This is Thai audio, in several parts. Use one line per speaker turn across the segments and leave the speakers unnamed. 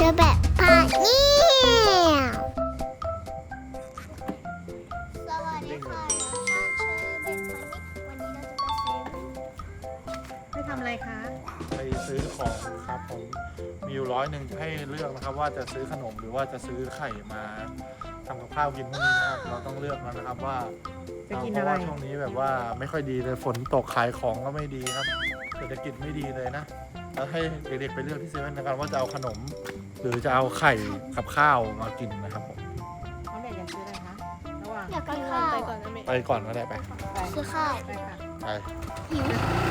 อแบบพาเนี่ยสวัสดีค่ะช่างเชอร์เบตวันนี้เราจะไปเซเว่น
ไปทำอะไรคะ
ไปซื้อของครับผมมีอยู่100จะให้เลือกนะครับ ว่าจะซื้อขนมหรือว่าจะซื้อไข่มาทำกับข้าวกินพรุ่งนี้นะครับเราต้องเลือกแล้วนะครับว่า
จะกิน
เพ
อะ
ราะ
ไร
ว่าช่วงนี้แบบว่าไม่ค่อยดีเลยฝนตกขายของก็ไม่ดีครับเศรษฐกิจไม่ดีเลยนะแล้วให้เด็กๆไปเลือกที่เซเว่นนะครับว่าจะเอาขนม หรือจะเอาไข่กับข้าวมากินนะครับผม
น้องเด็กอยากซื้ออะไรคะระหว่าง
อยากกินข้าว
ไปก่อนก็ได้ไป
ซื้อข้าว
ไปค่ะ
ไป
หิว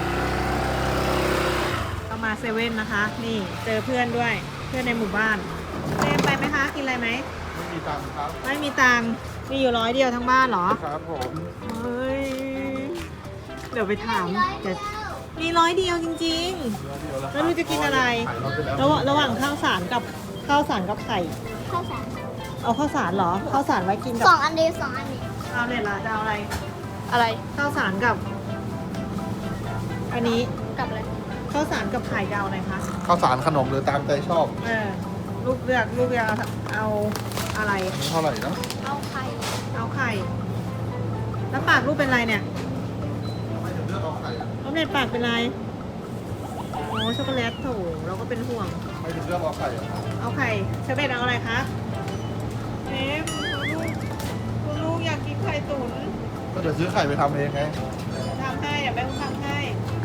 เรามาเซเว่นนะคะ นี่เจอเพื่อนด้วยเพื่อนในหมู่บ้านเล่นไปไหมคะกินอะไรไหม
ไม่มีตังค์ครับ
ไม่มีตังค์มีอยู่100เดียวทั้งบ้านเหรอ
ครับผม
เฮ้ยเดี๋ยวไปถามจะมี100เดียวจริง แล้วลูกจะกินอะไร
ขายรถไปแล้ว
ๆระหว่างข้าวสารกับไข่
ข้าวสาร
เอาข้าวสารเหรอข้าวสารไว้กินกับ
สองอันเดียวสองอันนี้
เอาเลยล่ะจะเอาอะไร
อะไร
ข้าวสารกับ อันนี้
กับอะไร
ข้าวสารกับไข่จะเอาอะไรคะ
ข้าวสารขนมหรือตามใจชอบ
ลูกเลือกเอาอะไร
เท่าไหร่นะ
เอาไข่
เอาไข่ แล้วปากลูกเป็นไรเนี่ย
ไม่ถึงเลือกเอาไข่อะ
น้องเน็ตปากเป็นไรโอ้ช็อกโกแลตโถเราก็เป็นห่วง
ไม่ถึงเลือกเอาไข่อะ
เอาไข่เชอร์เบตเอาอะไรคะเอ๊ะคุณลูกอยากกินไข่ตุ๋น
ก็เดี๋ยวซื้อไข่ไปทำเองไง
ทำให้เดี๋ยวแม่ทำให้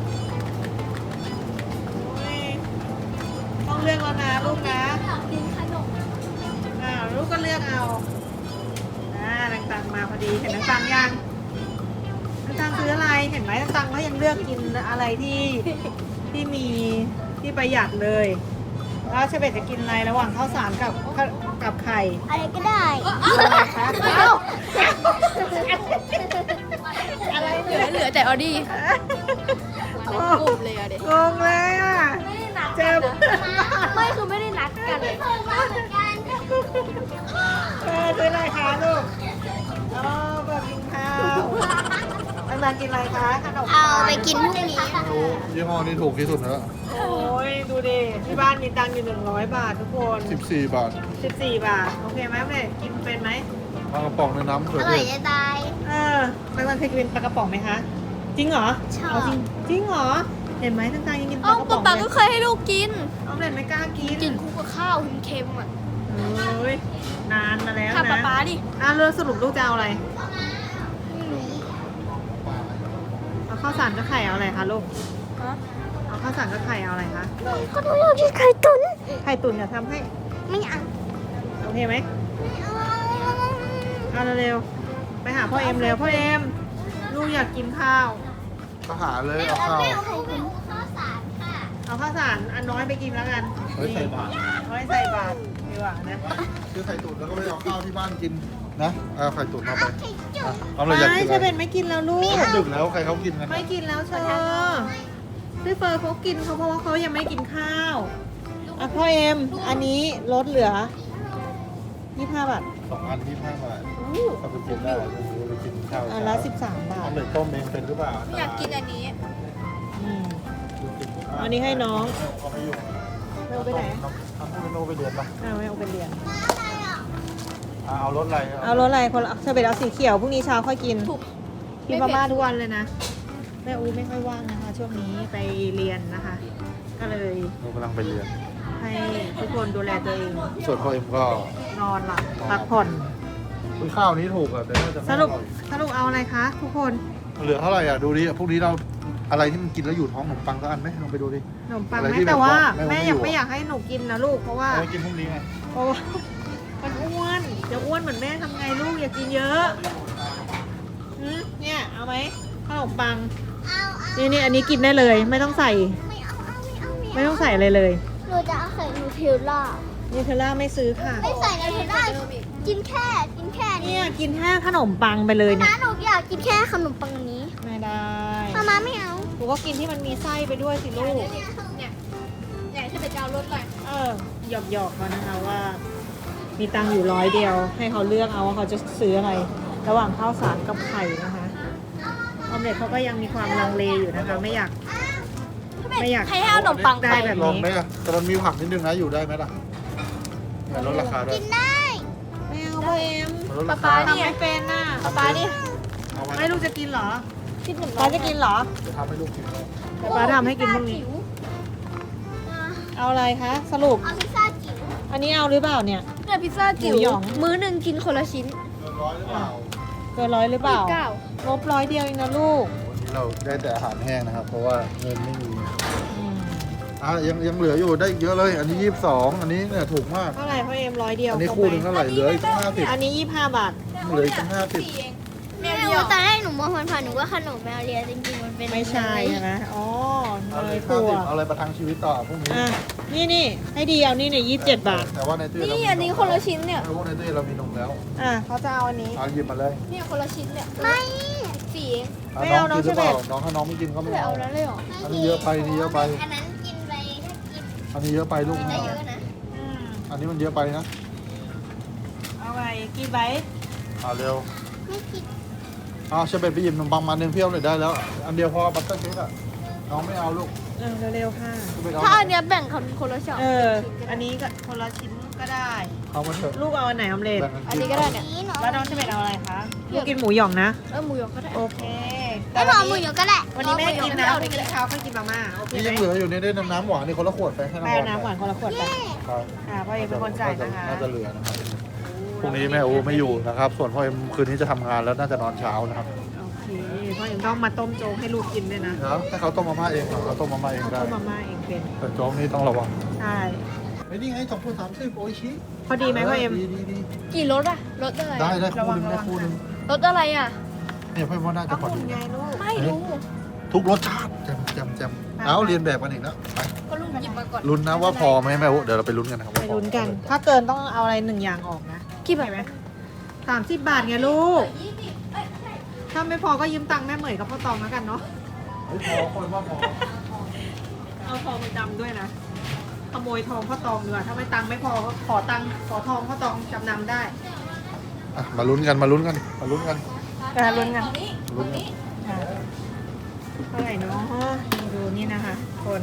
โอ้ยต้องเลือกแล้วนะลูกนะ
อยากกินขนม
ลูกก็เลือกเอานางตังมาพอดี เห็นนางตังยังนางตังซื้ออะไร เห็นไหมนางตังก็ยังเลือกกินอะไรที่มีที่ประหยัดเลย แล้วเชเบตจะกินอะไรระหว่างข้าวสารกับไข่
อะไรก็ได้
อะไรคะเอ้าอะไร
เห
เนี่ย
ลือแต่ออดี้มาในกลุ่มเลยอะเด็ก
งงเลยอ่ะ
ไม่ได้นัด
เจ็บ
ไม่คือไม่ได้นัดกันเลยเหมือนกัน
ซื้ออะไรคะลูกอ๋อแบบกินข้าวอันมากินอะไรคะขนม
เอาไปกินพรุ่งนี้
ไม่รู้ยี่ห้อนี้ถูกที่สุดแล้ว
โอ้ยดูดิที่บ้านมีตังค์อยู่100 บาททุกคน
14 บาท
14 บาท โอเคไหมเนี่ยกินเป็นไหม
มากระป๋องในน้ำเผื
อ
อก
ร่
เท
อย
ศ
จะตาย
มันเคยกินปลากระป๋องไหมคะ จริงเหรอ
ชอบ
เอาจริงเหรอ เห็นไหมตังๆยังกินป
เอ้า
ลากระป๋
ป๊า
อง
ป๊า
เล
ก็
ย
เคยให้ลูกกิน
เอาเลยไม่กล้ากิน
กินคู่กับข้าวเค็มๆอ่ะ
โอ้ยนานมาแล้ว
ถาม
นะ
ป๊าดิ
แล้วสรุปลูกจะเอาอะไร เอาข้าวสารกับไข่เอาอะไรคะลูก
ฮะ
เอาข้าวสารกับไข่เอาอะไรคะ
ก็ต้องอยากกินไข่ตุ๋น
ไข่ตุ๋นจะทำให้
ไม่เอา
โอเคไหม
ไม่เอา
เอาเร็วๆไปหาพ่อเอ็มเร็วพ่อเอ็มลูกอยากกินข้าว
ก็หาเลยเอาข้าว
ไม่เอาไข่ตุ๋นข้าวสารค่ะ
เอาข้าวสารอันน้อยไปกินแล้วกัน
เฮ้ยใส่บาตร
น้อยใส่บาตรดีกว่านะ
ซื้อไข่ตุ๋นแล้วก็ไปเอาข้าวที่บ้านกินนะเอาไข่ตุ๋นมาไป
ไข่จุ๊
อ่ะ
บ
เอาเลยอยาก
ไม่
กิน
ใช่
อะไร
เป็นไม่กินแล้วลูก
ดึกแล้วใครเขากินกัน
ไม่กินแล้วเชอพี่เฟิร์นเขากินเขาเพราะว่าเขายังไม่กินข้าวอ่ะพ่อเอ็มอันนี้ลดเหลือ25 บาท
2 อัน25 บาทเอาไปกินได้เอาไปกินข้าว
อันละ13 บา
เอา
ท
เลยต้มเองเป็นหรือเปล่า
อยากกินอันนี้
อืม อันนี้ให้น้อง
เขาไม่อยู่
ไม่เอาไปไหน
ทำให้โนไปเรียนปะ
ไม่เอาไปเรียน
เอารถอะไร
เอารสอะไรคนละเชอเบตเอาสีเขียวพรุ่งนี้เช้าค่อยกิน
ถูก
กินมาม่าทุกวันเลยนะแม่อูไม่ค่อยว่างนะคะ ช่วงนี้ไปเรียนนะคะ ก็เลย
โนกำลังไปเรียน
ให้ทุกคนดูแลตัวเอง
ส่วนพ่อเอ็มก็
นอนหลับพักผ่อน
อุ๊ยข้าวนี้ถูกอ่ะแต่น่าจะไม่
ส
อ
รุป
ร่อย
สรุปเอาอะไรคะทุกคน
เหลือเท่าไหร่อ่ะดูดิพวกนี้เราอะไรที่มันกินแล้วอยู่ท้องขนมปังสักอันไหมลองไปดูดิ
ขนมปัง
อะไร
ไหม
ที่
แต่ว่า
แบบว่า
แม่
ไม่
ยัง
อยู่
ไม่อยากให้หนูกินนะลูกเพราะว่า
เอาไปกินพรุ่งนี้ไง
เพราะว่ามันอ้วนจะอ้วนเหมือนแม่ทำไงลูกอย่ากินเยอะเนี่ยเอาไหมขนมปัง นี่อันนี้กินได้เลย ไม่ต้องใส่
ไม่เอาไม่เอา
ไม่ต้องใส่อะไรเลย
หนูจะเอาไข่นูเทลล่า
นิวเทลล่าไม่ซื้อค่ะ
ไม่ใส่นูเทลล่ากินแค่นี้
เนี่ยกินแค่ขนมปังไปเลยเนี่ย
นะหนูอยากกินแค่ขนมปังนี้
ไม่ได้
มาไม่เอา
หนูก็กินที่มันมีไส้ไปด้วยสิลูก
เนี่ยอยากจะไปเอารถอะไร
หยอกเขานะคะว่า มีตังค์อยู่100 เดียว ให้เขาเลือกเอาว่าเขาจะซื้ออะไร ระหว่างข้าวสารกับไข่นะคะออมเล็ตเขาก็ยังมีความลังเลอยู่นะคะ ไม่อยาก ไม่อยาก
ให้เอาขนมปัง
ได้
ไป
แบบ
ลอง
นี้
ไหมอ่ะแต่มันมีผักนิดนึงนะอยู่ได้ไหมล่ะเนี่ยลดราคาด้วย
กินได้
ไม่เอาพ่อเอ็ม
ลดราคา
ทำไม่เป็นน่ะ
ปลานี่
เอาไว้
ไม่ลูกจะกินเหรอ
คิดเหมือน
ป้าจะกินเหรอ
จะทำให้ลูกกินเลย
เดี๋ยวป้าทำให้กินพรุ่งนี้ เอาอะไรคะ สรุป
เอาพิซซ่าจิ๋ว
อันนี้เอาหรือเปล่าเนี่ย
เนี่ยพิซซ่าจิ๋ว
หมูหยอง
มื้อหนึ่งกินคนละชิ้น
เกินร้อยหรือเปล่า
เกิน100หรือเปล่า
เก้า
งบ100เดียวเองนะลูก
วันนี้เราได้แต่อาหารแห้งนะครับ เพราะว่าเงินไม่มี
อืม
ยังเหลืออยู่ได้อีกเยอะเลย อันนี้22อันนี้เนี่ยถูกมาก
เท่าไหร่พ่อเอ็ม100เดียว
อันนี้
ครบ
คู่ห
ไหม
นึงเท่าไหร่เหลืออีกตั้ง
อันนี้25 บาท
50เหลืออีกตั้ง
แม่
ไม่
เดีย
รู้
ว
ตอนแรกหนูมองผ่านๆหนูว่าขนมแมวเลียจริงๆมันเป็น
ไม่ใช่ใช่ไหมอ๋อ
50
เน
เอาเลย
ยถั่ว
50เอาอะไรประทังชีวิตต่อพรุ่งนี้
อ่ะนี่ให้ดีเอานี่เนี่ย27 บาท
แต่ว่าในตู้
นี่อันนี้คนละชิ้นเนี่ย
ไม่รู้ในตู้เรามีนมแล้ว
อ่ะเขาจะเอาอันนี้
เอาหยิบมาเลย
เนี่ยคนละชิ้นเนี่ย
ไม่
สี่เอง
ไม่เอา
น้องกินหรือเปล่า
น้องเชเบต
น้องถ้าน้องไม่กินก็ไม่
ไม่
เอา
เอาแล้วเลยเหรอ
อันนี้เยอะไปอันนี้เยอะไป
อันนั้นกินไปถ้ากิน
อันนี้เยอะไปลูก
กิน
ไม่
ได้
เอา
เยอะนะ
อืม
อันนี้มันเยอะไปนะ
เอาไงกี่ใบ
เอาเร็ว
ไม่กิน
เอาเชฟเบตไปหยิบขนมปังมาหนึ่งเพี้ยวเลยได้แล้ว อันเดียวพอบัตเตอร์เค้กอะน้องไม่เอาลูก
เร็วๆค่ะ
เชฟเบตเอา
ถ้าอันเนี้ยแบ่งคนละช็อต
อันนี้ก็คนละชิ้นก็ได้
เอามาเถอะ
ลูกเอาอันไหนออมเล็ต
แบ่ง
อันนี้ก็ได้เนี่ย
นี่หนู
แล้วน้องเชเบตเอาอะไรคะ ลูกกินหมูหยองนะ
หมูหยองก็ได้
โอเค
ไม่บอกหมูหยองก็ได้
วันนี้ไม่ได้กินนะ
เอา
วัน
ดิ
นี้กินเช้าค่อยกินมาม่าโอเค
นี่
ไหม
ยังเหลืออยู่ในได้น้ำหวานนี่คนละขวดไปให้
ไปเอาน้ำหวานคนละขวดไป
ครับ
พ่อเอ็มเป็นคนจ่ายนะคะ
น่าจะเหลือนะครับพรุ่งนี้แม่อูไม่อยู่นะครับ ส่วนพ่อเอ็มคืนนี้จะทำงานแล้วน่าจะนอนเช้านะครับ
โอเคพ่อเอ็มต้องมาต้มโจ๊กให้ลูกกินด้วยนะ
เดี๋ยวให้เขาต้มมาม่าเองเหรอเขาต้มมาม่าเอง
เขา
ได้
ต้มมาม่าเองเป็น
แต่โจ๊กนี่ต้องระวัง
ใช่
ไอ้นี่ไง2 30โอ้ยชิ
พอดีไหมพ่อเอ็ม
ดี
กี่รสอะรสอะไร
ได้
ระวัง
คู่หนึง
รสอะไรอะ
เนี่ยพ่อเอ็มว่าน่าจะ
เอา
พอ
หุ่
ดี
นไงลูก
ไม่รู้
ทุกรสชาติแจมเอาเรียนแบบกันอีกแล้วไป
ก็ลุงหยิบมาก่อน
ลุ้นนะว่าพอไหมแม่อูเดี๋ยวเราไปลุ้นกันนะครับ
ไป
ว่าพอ
ลุ้นกัน ถ้าเกินต้องเอาอะไร1อย่างออกนะ
กี่บาท
ไหม30 บาทไงลูก ถ้าไม่พอก็ยืมตังค์แม่เหมยกับพ่อตองแล้วกันเนาะ
เฮ้ยพอคนว่าพอ
เอาทองไปจำด้วยนะ ขโมยทองพ่อตองดีกว่าถ้าไม่ตังค์ไม่พอก็ขอตังค์ขอทองพ่อตองจำนำได้
อ่ะมาลุ้นกันมาลุ้นกันมาลุ้นกัน
การลุ้นกัน
ลุ้นกัน
ค่ะเท่าไหร่เนาะดูนี่นะคะ คน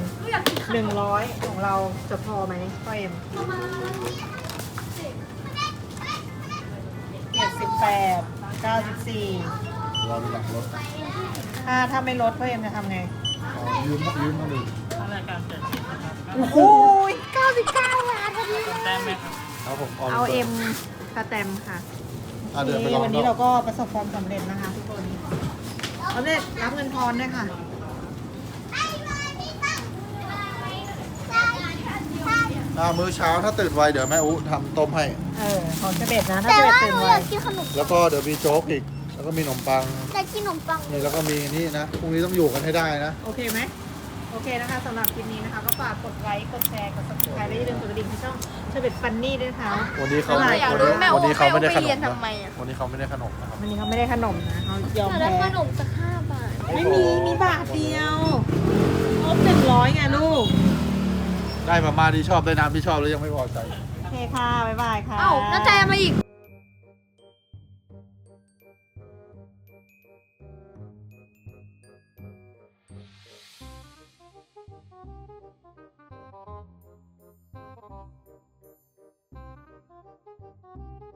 100ของเราจะพอไหมพ่อเอ็ม78 94
เราหลังรถ
ถ้าไม่ลดพ่อเอ็มจะทำไง
อ๋อยืมมาเลย
โอ้โห99 บาทพอดีเลย
ครับผม
เอาเอ็มสแตมป์ค่ะ
เดินไปลอง
วันนี้เราก็ประสบความสำเร็จนะคะทุกคนสำเร็จรับเงินทอนด้วยค่ะ
มื้อเช้าถ้าตื่นไวเดี๋ยวแม่อูทำต้มให้
ของเจเบ็ดนะ ถ้า
แต่
เจเบ็ด
ว่า
ตื่
ห
น
นู
ไว
อยากกินขนม
แล้วก็เดี๋ยวมีโจ๊กอีก แล้วก็มีขนมปัง
อยากกินขนมปัง
นี่แล้วก็มีนี่นะพรุ่งนี้ต้องอยู่กันให้ได้นะ
โอเคไหมโอเคนะคะสำหรับคลิปนี้นะคะ ก็ฝากกดไลค์ กดแชร์ กด subscribe และอย่าลืมกดกระดิ่งที่ช่องเจเบ็ดฟันนี่ด้วยนะคะ
วันนี้เขา
อะไร
อยากรู้แม่
วันนี้เขาไม่ได้ขน
เรีย
ม
น
นะ
ทำไมอะ
วันนี้เขาไม่ได้ขนมนะครับ
วันนี้เขาไม่ได้ขนมนะเขายอม
แล้
แพ้
วขนมสัก5 บาท
ไม่มี มีบาทเดียวครบ100ไงลูก
ได้มาม่าที่ชอบได้น้ำที่ชอบแล้วยังไม่พอใจ
โอเคค่ะ บ๊ายบายค่ะ
เอ้าน้าแจมาอีก